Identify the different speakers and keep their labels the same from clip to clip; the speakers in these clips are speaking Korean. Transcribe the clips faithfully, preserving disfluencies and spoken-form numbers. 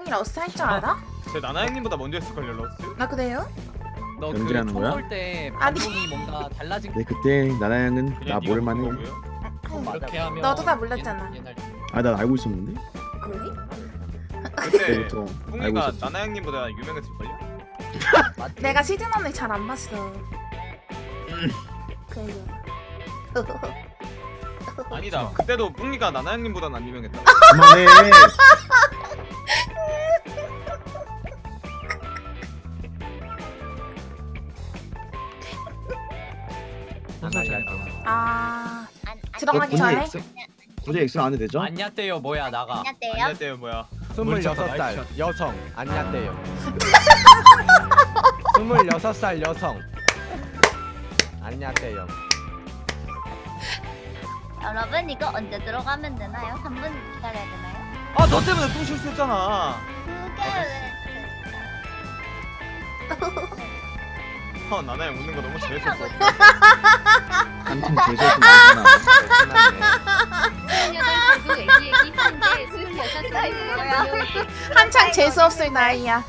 Speaker 1: 형이 러스 할 줄 알아?
Speaker 2: 제 나나 형님보다 먼저 했을걸요 러스?
Speaker 1: 나 그래요?
Speaker 3: 너
Speaker 4: 연기하는 거야?
Speaker 3: 그총쏠때
Speaker 1: 아니.
Speaker 3: 방송이 뭔가 달라진
Speaker 4: 네 그때 나나양은 나
Speaker 2: 그냥 네가
Speaker 4: 모를만해.
Speaker 2: 본 거고요?
Speaker 3: 그렇게 하면
Speaker 1: 너도 다 몰랐잖아.
Speaker 3: 옛- 옛날
Speaker 4: 아 난 알고 있었는데.
Speaker 1: 그래?
Speaker 2: 그때
Speaker 4: 그때부터 알고
Speaker 2: 뿡이가
Speaker 4: 있었지.
Speaker 2: 나나 형님보다 유명했을걸요?
Speaker 3: 맞지?
Speaker 1: 내가 시즌 언니 잘 안 봤어. 그래요.
Speaker 2: 아니다 그때도 뿡이가 나나 형님보다는 안 유명했다.
Speaker 4: 그만해.
Speaker 1: 아
Speaker 5: 안, 안,
Speaker 1: 들어가기
Speaker 4: 어,
Speaker 1: 전에?
Speaker 4: 굳이 엑스- 굳이 엑스 안 해도 되죠?
Speaker 3: 안녕대요 뭐야 나가.
Speaker 5: 안녕하세요.
Speaker 2: 안녕하세요 뭐야.
Speaker 6: 스물여섯 살 여성 안녕대요. 스물여섯 살 여성 안녕대요.
Speaker 5: 여러분 이거 언제 들어가면 되나요? 삼 분 기다려야 되나요?
Speaker 2: 아 너 때문에 뿡 실수했잖아.
Speaker 5: 그게
Speaker 2: 어 나나 형 웃는 거 너무 재밌었어.
Speaker 4: 한참 제대로 나잖아.
Speaker 7: 여덟 애기 애기 현재 스물여섯
Speaker 5: 왜
Speaker 7: 살이고요.
Speaker 1: 한창 재수 없을 나이야.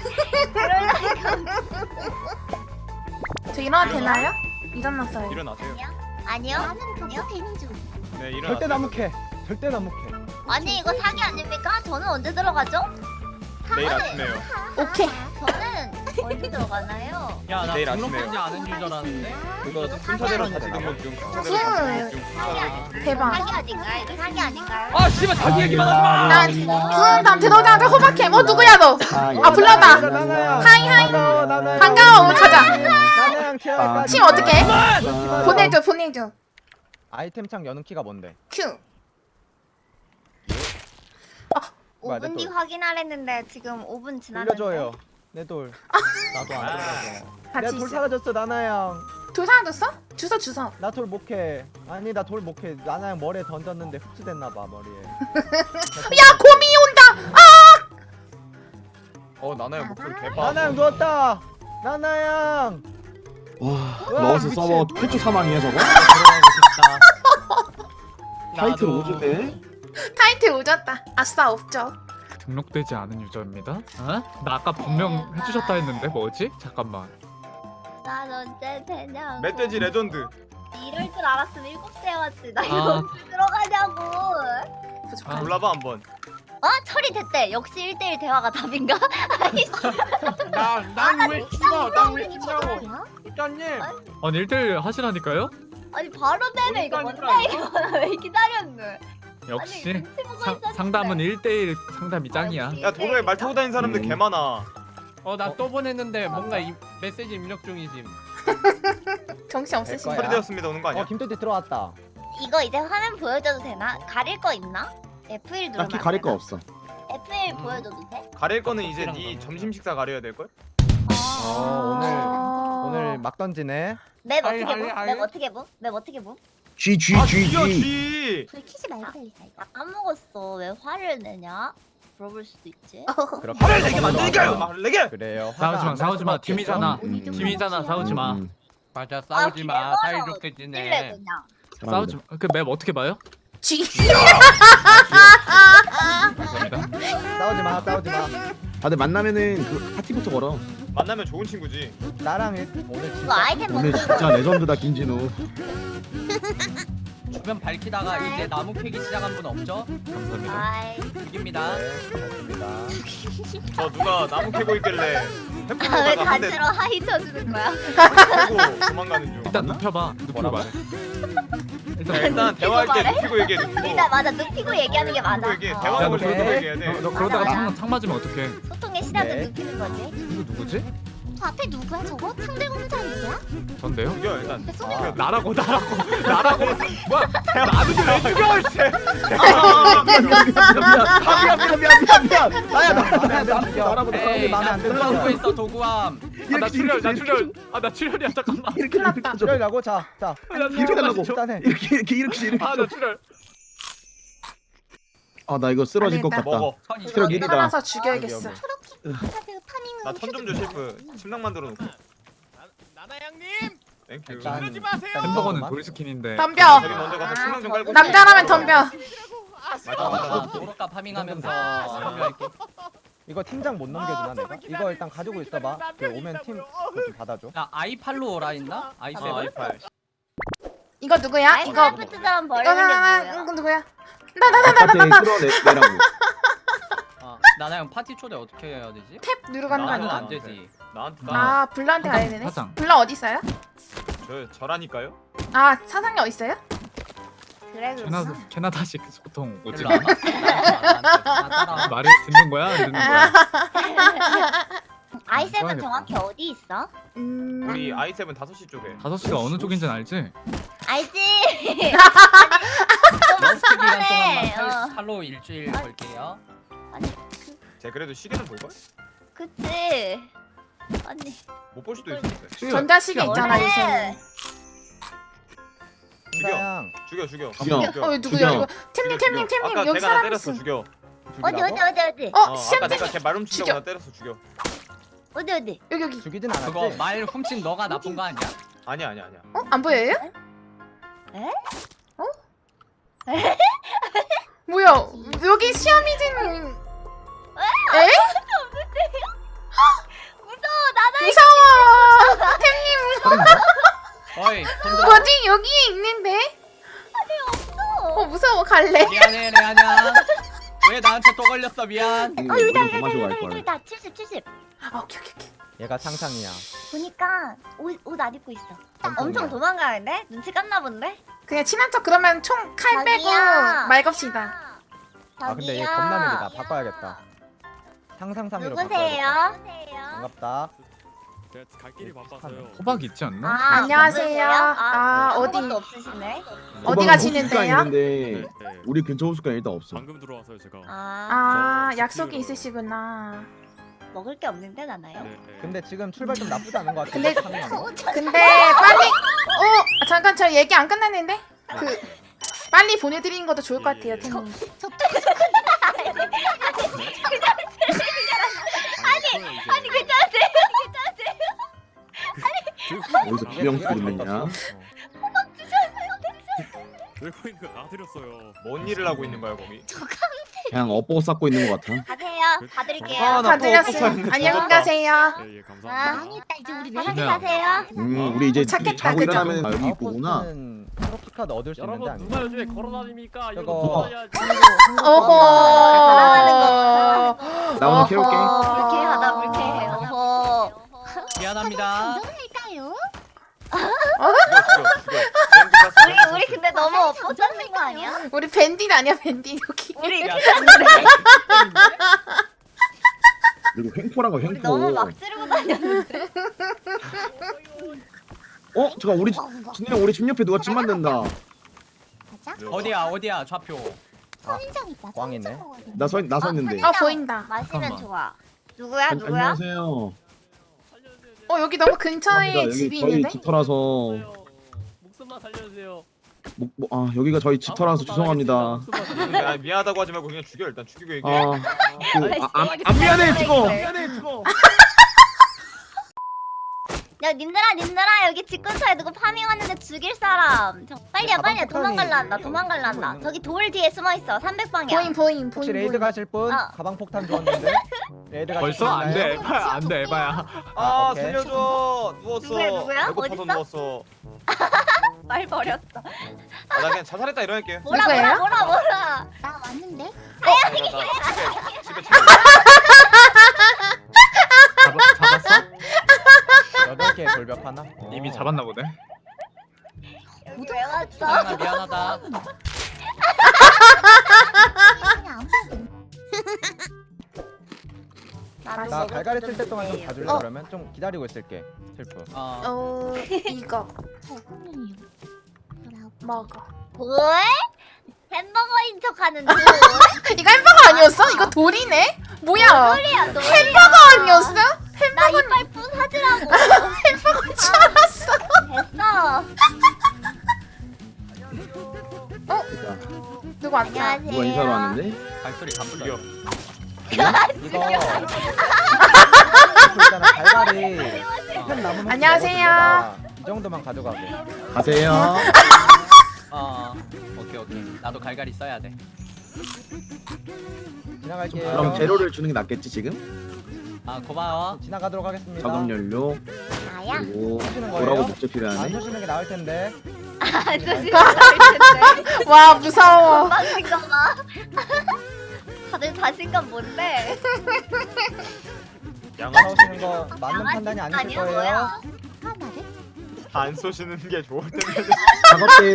Speaker 1: 저 일어나도 되나요? 일어났어요.
Speaker 2: 일어나세요.
Speaker 5: 아니요? 나는 격수 태닝 중.
Speaker 2: 네 일어나세요.
Speaker 6: 절대 나무캐 절대 나무캐.
Speaker 5: 아니 이거 사기 아닙니까? 저는 언제 들어가죠?
Speaker 2: 내일 아침에요.
Speaker 1: 오케이.
Speaker 5: 저는 언제 들어가나요?
Speaker 3: 야나
Speaker 2: 내일
Speaker 3: 등록하지
Speaker 2: 아침에요.
Speaker 3: 않은 유저라는데.
Speaker 2: 그거 순서대로 다시 등록 중. 순서대로
Speaker 1: 헐.
Speaker 2: 다시 등록 중.
Speaker 5: 사기 아닐까요?
Speaker 1: 대박.
Speaker 5: 사기 아닌가요? 이거 사기 아닌가요?
Speaker 3: 아 씨발 자기 얘기만 하지 마.
Speaker 1: 난, 응, 난 들어오자마자 호박해. 뭐 누구야 너? 아, 불렀다. 하이, 하이.
Speaker 6: 반가워 나나양.
Speaker 1: 반가워, 우리 가자.
Speaker 6: 나나양 티아가.
Speaker 1: 팀 어떻게 해? 보내줘, 보내줘.
Speaker 6: 아이템창 여는 키가 뭔데?
Speaker 1: 큐.
Speaker 6: 뭐야,
Speaker 5: 오 분 뒤
Speaker 6: 내
Speaker 5: 확인하랬는데 지금 오 분 지났는데.
Speaker 6: 돌려줘요. 내 돌.
Speaker 3: 나도 안 들어가게.
Speaker 1: 같이
Speaker 6: 내 돌
Speaker 1: 있어.
Speaker 6: 사라졌어 나나양.
Speaker 1: 돌 사라졌어? 주워, 주워.
Speaker 6: 나 돌 못캐. 아니 나 돌 못캐. 나나양 머리에 던졌는데 흡수됐나봐 머리에.
Speaker 1: 야, 곰이 온다.
Speaker 2: 어 나나 형 목소리 개빠.
Speaker 6: 나나양 누웠다. 나나양.
Speaker 4: 와
Speaker 6: 와,
Speaker 4: 넣어서
Speaker 6: 미친.
Speaker 4: 서버 최초 사망이야 저거?
Speaker 3: 들어가고 싶다.
Speaker 4: 타이틀
Speaker 3: 나도.
Speaker 4: 오지네.
Speaker 1: 타이틀 오졌다. 아싸, 없죠.
Speaker 8: 등록되지 않은 유저입니다. 어? 나 아까 분명 해주셨다 했는데 뭐지? 잠깐만.
Speaker 5: 난 언제 되냐고.
Speaker 2: 멧돼지 레전드.
Speaker 5: 이럴 줄 알았으면 일곱 시에 왔지. 나
Speaker 8: 아.
Speaker 5: 이거 언제 들어가냐고.
Speaker 1: 부족하네.
Speaker 2: 골라봐 한번.
Speaker 5: 어? 처리됐대. 역시 일 대일 대화가 답인가? 아이씨.
Speaker 3: 난난왜 죽어? 난왜 죽냐고.
Speaker 6: 국장님.
Speaker 8: 아니 일대일 하시라니까요?
Speaker 5: 아니 바로 되네 이거 뭔데 이거. 왜 기다렸네.
Speaker 8: 역시
Speaker 5: 아니, 눈치 보고
Speaker 8: 상,
Speaker 5: 있었는데.
Speaker 8: 상담은 일대일 상담이 짱이야.
Speaker 5: 역시
Speaker 2: 야 도로에 말 타고 다니는 사람들
Speaker 4: 음.
Speaker 2: 개 많아.
Speaker 3: 어 나 또 보냈는데 뭔가 이 메시지 입력 중이지.
Speaker 1: 정신 없으신
Speaker 6: 거야.
Speaker 1: 거.
Speaker 2: 처리되었습니다 오는 거 아니야?
Speaker 6: 어 김토띠 들어왔다.
Speaker 5: 이거 이제 화면 보여줘도 되나? 가릴 거 있나? 에프 일 누르면
Speaker 4: 딱히
Speaker 5: 안
Speaker 4: 가릴 거
Speaker 5: 되나?
Speaker 4: 없어.
Speaker 5: 에프 일 보여줘도 돼?
Speaker 2: 가릴 거는 이제
Speaker 3: 커피랑
Speaker 2: 네
Speaker 3: 먹는
Speaker 2: 점심 식사 가려야 될 걸?
Speaker 6: 어 오늘 오늘 막 던지네.
Speaker 5: 맵
Speaker 3: 아이,
Speaker 5: 어떻게
Speaker 3: 아이,
Speaker 5: 보?
Speaker 3: 아이.
Speaker 5: 맵 어떻게 보? 맵 어떻게 보?
Speaker 4: G G
Speaker 2: 아
Speaker 4: G
Speaker 2: G야
Speaker 4: G.
Speaker 2: G.
Speaker 5: 불 켜지 말고 달리자 이거. 아, 까먹었어. 왜 화를 내냐? 물어볼 수도 있지.
Speaker 6: 그렇게
Speaker 2: 화를 내게
Speaker 6: 넘어가도
Speaker 2: 만들게요.
Speaker 6: 안
Speaker 2: 화를 내게.
Speaker 6: 그래요.
Speaker 8: 싸우지 마, 싸우지 마. 팀이잖아.
Speaker 4: 음.
Speaker 8: 팀이잖아. 싸우지 마.
Speaker 4: 음,
Speaker 3: 맞아 싸우지 마.
Speaker 5: 아,
Speaker 3: 사이좋게
Speaker 5: 찔래
Speaker 3: 지내.
Speaker 5: 그냥.
Speaker 4: 음.
Speaker 8: 싸우지 마. 그 맵 어떻게 봐요?
Speaker 1: 쥐.
Speaker 8: 감사합니다.
Speaker 6: 싸우지 마, 싸우지 마.
Speaker 4: 다들 만나면은 그 파티부터 걸어.
Speaker 2: 만나면 좋은 친구지.
Speaker 6: 나랑 일- 오늘
Speaker 5: 이거
Speaker 6: 진짜
Speaker 5: 아이템
Speaker 4: 오늘
Speaker 5: 먹는
Speaker 4: 진짜 레전드다 김진우.
Speaker 3: 주변 밝히다가 이제 나무 캐기 시작한 분 없죠?
Speaker 8: 감사합니다.
Speaker 5: 아이.
Speaker 3: 이깁니다.
Speaker 6: 네, 고맙습니다.
Speaker 2: 저 누가 나무 캐고 있길래
Speaker 5: 아, 왜
Speaker 2: 햄버거다가 한 대
Speaker 5: 단체로 하이 쳐주는 거야?
Speaker 2: 캐고 도망가는 중.
Speaker 8: 일단 눕혀봐. 눕히고
Speaker 6: 뭐라고?
Speaker 8: 말해.
Speaker 2: 자, 일단 대화할 때
Speaker 5: 말해?
Speaker 2: 눕히고 얘기해. 눕히고.
Speaker 5: 일단 맞아 눕히고 얘기하는 게 맞아.
Speaker 2: 눕히고 얘기해.
Speaker 5: 어.
Speaker 2: 대화하고
Speaker 6: 오케이.
Speaker 2: 저도 얘기해야 돼.
Speaker 8: 너, 너 그러다가
Speaker 5: 맞아,
Speaker 8: 창,
Speaker 5: 맞아.
Speaker 8: 창 맞으면 어떡해?
Speaker 5: 소통의 시작은
Speaker 6: 네.
Speaker 5: 눕히는 거지.
Speaker 8: 이거 누구지?
Speaker 5: 저 앞에 누구야 저거? 탕 들고 있는 사람 누구야?
Speaker 8: 전데요?
Speaker 2: 죽여 일단.
Speaker 5: 내 손에
Speaker 6: 아,
Speaker 8: 나라고 나라고 나라고. 뭐야?
Speaker 2: 나도 왜 죽여 이제.
Speaker 4: 미안 미안 미안 미안 미안 미안. 나야 나야 나야 나야 나라보다
Speaker 3: 에이
Speaker 6: 사람들이 마음에
Speaker 3: 나
Speaker 6: 안 들어.
Speaker 3: 들어오고 있어 도구함.
Speaker 8: 아, 나 출혈 나 출혈. 아 나 출혈이야 잠깐만.
Speaker 4: 이렇게 이렇게 줘.
Speaker 6: 이러려고 자, 자.
Speaker 8: 아, 나
Speaker 4: 이렇게
Speaker 8: 출혈
Speaker 4: 하라고.
Speaker 6: 일단 해.
Speaker 4: 이렇게 이렇게 이렇게 이렇게.
Speaker 8: 아나 출혈.
Speaker 4: 아 나 이거 쓰러질 것
Speaker 1: 안
Speaker 4: 같다.
Speaker 2: 먹어.
Speaker 3: 선 이십.
Speaker 4: 체력 일이다.
Speaker 1: 살아서 죽여야겠어.
Speaker 2: 나 천 점 줘 셰프. 침낭 만들어 놓고.
Speaker 9: 나나양님
Speaker 2: 땡큐.
Speaker 6: 일단-
Speaker 9: 그러지 마세요.
Speaker 8: 햄버거는 돌 스킨인데.
Speaker 1: 덤벼.
Speaker 2: 저기 먼저 가서 침낭 좀 깔고.
Speaker 1: 남자라면 덤벼.
Speaker 2: 맞아 맞아.
Speaker 3: 나 도로가 파밍하면서 참여할게.
Speaker 6: 이거 팀장 못 넘겨주나 내가? 이거 일단 가지고 있어봐. 그 오면 팀 그거 좀 받아줘.
Speaker 3: 나 아이팔로 오라 했나? 아이
Speaker 2: 어,
Speaker 3: 세븐?
Speaker 2: 아이팔.
Speaker 1: 이거 누구야? 이거
Speaker 5: 아이크래프트 사람
Speaker 1: 이거
Speaker 5: 버리는 게
Speaker 1: 나
Speaker 5: 뭐야?
Speaker 1: 이거 누구야? 나 나 나 나 나 나
Speaker 4: 끌어내라고.
Speaker 3: 어, 나나 형 파티 초대 어떻게 해야 되지?
Speaker 1: 탭 누르고 하는 거
Speaker 3: 나는
Speaker 1: 아닌가?
Speaker 3: 안 되지.
Speaker 2: 나한테 나.
Speaker 1: 아 블러한테 가야 되네.
Speaker 8: 사장.
Speaker 1: 블러 어디 있어요?
Speaker 2: 저 저라니까요.
Speaker 1: 아 사장님 어디 있어요?
Speaker 5: 그래
Speaker 8: 캐나다
Speaker 5: 그렇구나.
Speaker 8: 캐나다식 보통 오지
Speaker 3: 일로 와봐. 나 따라와.
Speaker 8: 말을 듣는 거야 안 듣는 거야?
Speaker 5: 아이 세븐
Speaker 8: 써야겠다.
Speaker 5: 정확히 어디 있어?
Speaker 1: 음.
Speaker 2: 우리 아이 세븐 다섯 시 쪽에.
Speaker 8: 다섯 시가 어느 쪽인지는 알지?
Speaker 5: 알지?
Speaker 3: 러스트 기간
Speaker 5: 네,
Speaker 3: 동안만
Speaker 5: 어.
Speaker 3: 팔- 팔로 일주일 걸게요.
Speaker 2: 제가 그래도 시계는 볼 걸?
Speaker 5: 그치. 아니.
Speaker 2: 못 볼 수도 있어.
Speaker 1: 전자시계 있잖아
Speaker 5: 원래
Speaker 1: 요새.
Speaker 6: 팀장
Speaker 2: 죽여 죽여.
Speaker 4: 죽여.
Speaker 2: 죽여.
Speaker 1: 어 누구야
Speaker 4: 죽여.
Speaker 1: 이거? 템님
Speaker 2: 죽여,
Speaker 1: 템님
Speaker 2: 죽여.
Speaker 1: 템님
Speaker 2: 아까
Speaker 1: 여기
Speaker 2: 제가 나
Speaker 1: 사람
Speaker 2: 때렸어.
Speaker 1: 있어.
Speaker 2: 죽여.
Speaker 5: 어디
Speaker 6: 죽이라고?
Speaker 5: 어디 어디 어디
Speaker 1: 어
Speaker 2: 어, 아까
Speaker 1: 시험지
Speaker 2: 내가 걔 말훔친다고
Speaker 1: 죽여.
Speaker 2: 나 때렸어. 죽여.
Speaker 5: 어디 어디.
Speaker 1: 여기 여기.
Speaker 6: 죽이진 않았지?
Speaker 3: 그거 말 훔친 너가 나쁜 거 아니야?
Speaker 2: 아니야 아니야 아니야.
Speaker 1: 어? 안 보여요?
Speaker 5: 에?
Speaker 1: 어? 뭐야? 여기 시아미진 에?
Speaker 5: 무서워 나나.
Speaker 1: 무서워. 템님
Speaker 3: 어이 손들어.
Speaker 1: 어디 여기에 있는데? 어 무서워 갈래.
Speaker 3: 미안해 레아냐. 왜 나한테 또 걸렸어 미안.
Speaker 5: 어 여기다
Speaker 4: 더 마시고 갈
Speaker 5: 여기다
Speaker 4: 걸.
Speaker 5: 여기다 칠십 칠십.
Speaker 1: 아 오케이 오케이 오케이.
Speaker 6: 얘가 상상이야.
Speaker 5: 보니까 옷 안 입고 있어. 엄청 도망가는데? 눈치 깠나 본데?
Speaker 1: 그냥 친한 척 그러면 총 칼 빼고
Speaker 5: 자기야.
Speaker 1: 말 겁시다.
Speaker 6: 아 근데 얘
Speaker 5: 저기요.
Speaker 6: 겁나 느리다. 바꿔야겠다. 상상상으로
Speaker 5: 누구세요?
Speaker 6: 바꿔야겠다. 반갑다.
Speaker 9: 제가 갈 길이 바빠서요.
Speaker 8: 호박 있지 않나?
Speaker 5: 아,
Speaker 1: 안녕하세요.
Speaker 5: 누구세요?
Speaker 1: 아, 어디-
Speaker 5: 아무것도 없으시네.
Speaker 1: 어디 가시는데요?
Speaker 4: 있는데
Speaker 9: 네, 네.
Speaker 4: 우리 근처 호숫가 일단 없어.
Speaker 9: 방금 들어와서요 제가.
Speaker 5: 아,
Speaker 1: 아
Speaker 9: 저
Speaker 1: 약속이
Speaker 9: 집이요.
Speaker 1: 있으시구나.
Speaker 5: 먹을 게 없는데 나나요?
Speaker 9: 네, 네.
Speaker 6: 근데 지금 출발 좀 나쁘지 않은 것 같아.
Speaker 1: 근데-
Speaker 6: 파밍하는 거.
Speaker 1: 근데 빨리 어 아, 잠깐 저 얘기 안 끝났는데 그 빨리 보내드리는 것도 좋을 것 같아요 템님.
Speaker 9: 아니 아니
Speaker 5: 괜찮으세요?
Speaker 4: 어디서 비명 소리 듣느냐?
Speaker 9: 들고 있는 거다 드렸어요.
Speaker 2: 뭔 일을 하고 있는 거야 거기?
Speaker 4: 그냥 업보 쌓고 있는 것 같아.
Speaker 5: 가세요. 다 드릴게요.
Speaker 2: 아, 나
Speaker 1: 다
Speaker 2: 또
Speaker 1: 드렸어요.
Speaker 2: 없었는데.
Speaker 1: 안녕히 가세요.
Speaker 9: 예, 예,
Speaker 5: 아,
Speaker 9: 감사합니다.
Speaker 5: 망했다. 이제 우리
Speaker 1: 아,
Speaker 5: 편하게
Speaker 8: 그냥-
Speaker 5: 가세요.
Speaker 4: 음, 우리 이제
Speaker 1: 찾겠다,
Speaker 4: 자고
Speaker 1: 그죠?
Speaker 4: 일어나면 아, 여기 있구나.
Speaker 6: 아웃포스트는 트로피 카드 얻을 수 있는데
Speaker 9: 여러분
Speaker 6: 아니야?
Speaker 9: 누가 요즘에 걸어다닙니까? 이거
Speaker 6: 저거-
Speaker 9: 받아야지.
Speaker 1: 어허.
Speaker 4: 나 오늘 캐올게.
Speaker 5: 불쾌하다 불쾌해. 어허.
Speaker 3: 미안합니다.
Speaker 5: 할까요?
Speaker 2: 죽여 죽여 죽여. 뱀도 쐈어,
Speaker 5: 우리
Speaker 2: 뱀도
Speaker 5: 우리
Speaker 2: 쐈어.
Speaker 5: 근데 너무 엎어졌는 거 아니야?
Speaker 1: 우리 밴딧 아니야 밴딧 여기.
Speaker 5: 우리
Speaker 3: 야,
Speaker 4: 그리고 횡포라고
Speaker 5: 우리
Speaker 4: 횡포.
Speaker 5: 너무 막 지르고 다녔는데.
Speaker 4: 어? 잠깐 우리 진이야 우리 집 옆에 누가 집 만든다.
Speaker 3: 어디야 어디야 좌표.
Speaker 5: 선인장 있다.
Speaker 6: 꽝이네.
Speaker 4: 나서 나서 있는데.
Speaker 1: 어 보인다.
Speaker 5: 마시면
Speaker 8: 잠깐만.
Speaker 5: 좋아. 누구야
Speaker 4: 안-
Speaker 5: 누구야?
Speaker 4: 안녕하세요.
Speaker 1: 어 여기 너무 근처에
Speaker 4: 감사합니다.
Speaker 1: 집이
Speaker 4: 여기 저희
Speaker 1: 있는데.
Speaker 4: 집터라서
Speaker 9: 목숨만 살려주세요.
Speaker 4: 목, 목, 아 여기가 저희 집터라서 죄송합니다.
Speaker 2: 야, 미안하다고 하지 말고 그냥 죽여 일단 죽이고 얘기해.
Speaker 4: 아, 그, 아, 안, 안 미안해 죽어. 미안해 죽어.
Speaker 5: 야 님들아 님들아 여기 집 근처에 누구 파밍 왔는데 죽일 사람. 저, 빨리야
Speaker 6: 가방
Speaker 5: 빨리야
Speaker 6: 폭탄이
Speaker 5: 도망갈란다
Speaker 6: 여기
Speaker 5: 도망갈란다.
Speaker 6: 있는
Speaker 5: 저기 돌 뒤에 숨어 있어. 삼백 방향.
Speaker 1: 보인 보인
Speaker 6: 혹시
Speaker 1: 보인
Speaker 6: 레이드
Speaker 1: 보인.
Speaker 6: 가실 분?
Speaker 5: 어.
Speaker 6: 가방 폭탄 주었는데. 레이드 가실
Speaker 8: 벌써
Speaker 6: 분
Speaker 8: 안돼
Speaker 6: 있나요?
Speaker 8: 에바야 안돼 에바야.
Speaker 2: 아
Speaker 6: 아, 오케이.
Speaker 2: 살려줘. 누웠어.
Speaker 5: 누구야, 누구야?
Speaker 2: 배고파서
Speaker 5: 어딨어?
Speaker 2: 누웠어.
Speaker 5: 말 버렸어.
Speaker 2: 아, 나 그냥 자살했다 이러할게.
Speaker 5: 뭐라
Speaker 1: 누구예요?
Speaker 5: 뭐라 뭐라 뭐라. 나 왔는데?
Speaker 2: 집에 집에 집에.
Speaker 8: 잡아, 잡았어?
Speaker 6: 여덟 개 돌벽 하나. 어.
Speaker 8: 이미 잡았나 보네.
Speaker 5: 여기 왜 왔어?
Speaker 3: 사연아 미안하다.
Speaker 5: 나도
Speaker 6: 나
Speaker 5: 먹을
Speaker 6: 갈갈이
Speaker 5: 좀
Speaker 6: 칠 때 동안 좀
Speaker 5: 주세요.
Speaker 6: 봐줄래
Speaker 1: 어.
Speaker 6: 그러면? 좀 기다리고 있을게. 슬프.
Speaker 3: 어.
Speaker 1: 어 이거 먹어.
Speaker 5: 왜? 햄버거인 척하는 줄.
Speaker 1: 이거 햄버거 아니었어? 이거 돌이네? 뭐야?
Speaker 5: 소리야 너.
Speaker 1: 햄버거 아니었어?
Speaker 5: 나 이빨 부사지라고.
Speaker 1: 햄버거인 줄 알았어.
Speaker 5: 됐어.
Speaker 1: 누구 왔다?
Speaker 5: 안녕하세요.
Speaker 4: 누가 인사로 왔는데?
Speaker 3: 발소리 안 불려.
Speaker 6: 이거 슬프 있잖아 갈갈이 펜 남은 혹시
Speaker 1: 안녕하세요.
Speaker 6: 먹어줄래? 나이 정도만 가져가게.
Speaker 4: 가세요.
Speaker 3: 어. 오케이 오케이. 나도 갈갈이 써야 돼.
Speaker 1: 지나갈게요.
Speaker 4: 그럼 재료를 주는 게 낫겠지 지금?
Speaker 3: 아 고마워.
Speaker 1: 지나가도록 하겠습니다.
Speaker 4: 작업 연료
Speaker 5: 나야?
Speaker 4: 그리고
Speaker 1: 쏘시는
Speaker 4: 뭐라고
Speaker 1: 거예요?
Speaker 4: 목재
Speaker 1: 안
Speaker 4: 필요하네.
Speaker 1: 쏘시는 게 나을 텐데.
Speaker 5: 안 쓰시는 텐데.
Speaker 1: 와 무서워.
Speaker 5: 자신감 봐. 다들 자신감 뭔데?
Speaker 2: 양아
Speaker 1: 싸우시는 거 맞는 판단이 아니실
Speaker 5: 아니야,
Speaker 1: 거예요.
Speaker 5: 뭐야? 하나를?
Speaker 2: 안 쏘시는 게 좋을 텐데.
Speaker 4: 작업대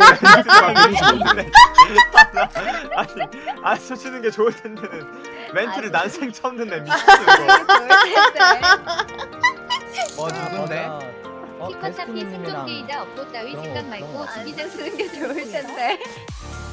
Speaker 2: 아니 안 쏘시는 게 좋을 텐데는 멘트를
Speaker 5: 아니.
Speaker 2: 난생 처음 듣네 미친거.
Speaker 3: 뭐 누군데?
Speaker 1: 어
Speaker 7: 피커타피
Speaker 1: 데스티니님이랑
Speaker 7: 생존기이자 업보 따위
Speaker 1: 그런 거,
Speaker 7: 생각
Speaker 1: 그런
Speaker 7: 말고
Speaker 1: 거.
Speaker 7: 주기장 쓰는 게 좋을 텐데.